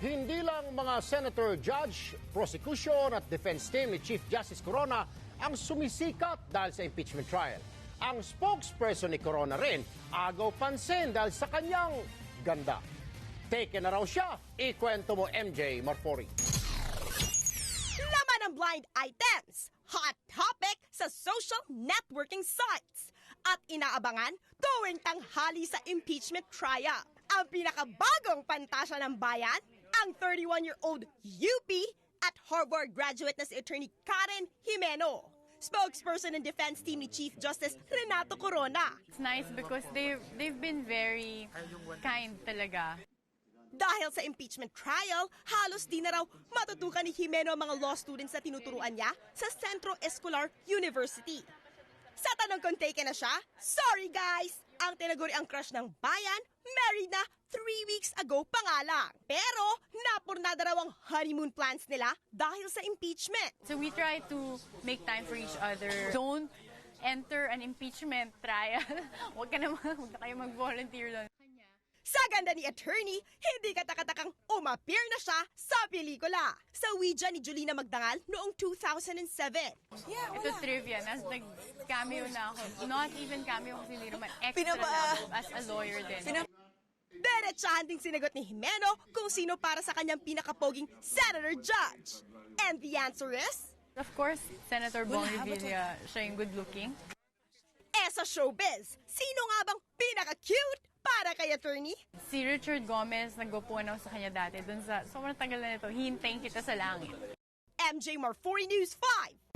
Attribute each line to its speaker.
Speaker 1: Hindi lang mga senator, judge, prosecution at defense team ni Chief Justice Corona ang sumisikat dahil sa impeachment trial. Ang spokesperson ni Corona rin agaw pansin dahil sa kanyang ganda. Take na raw siya. Ikwento mo, MJ Marfori.
Speaker 2: Laman ng blind items, hot topic sa social networking sites, at inaabangan tuwing tanghali sa impeachment trial. Ang pinakabagong pantasya ng bayan, ang 31-year-old UP at Harvard graduate na si Attorney Karen Jimeno. Spokesperson ng defense team ni Chief Justice Renato Corona.
Speaker 3: It's nice because they've been very kind talaga.
Speaker 2: Dahil sa impeachment trial, halos di na raw matutukan ni Jimeno ang mga law students na tinuturuan niya sa Centro Escolar University. Sa tanong kung taken na siya, sorry guys! Ang tinaguri ang crush ng bayan, married na 3 weeks ago pa nga lang. Pero napurnada raw ang honeymoon plans nila dahil sa impeachment.
Speaker 3: So we try to make time for each other. Don't enter an impeachment trial. Huwag na kayo mag-volunteer doon.
Speaker 2: Sa ganda ni attorney, hindi katakatakang umappear na siya sa pelikula. Sa Ouija ni Julina Magdangal noong 2007.
Speaker 3: Ito trivia, nag-cameo na ako. Not even cameo kasi hindi naman extra na ako as a lawyer din.
Speaker 2: Diretsahan ding sinagot ni Jimeno kung sino para sa kanyang pinakapoging senator judge. And the answer is?
Speaker 3: Of course, Senator Bong Revilla, siya yung good-looking.
Speaker 2: Sa showbiz, sino nga bang pinaka-cute para kay attorney?
Speaker 3: Si Richard Gomez, nagwapuan ako sa kanya dati. Dun sa sobrang tagal na nito, Hintayin Kita sa Langit.
Speaker 2: MJ Marfori News 5.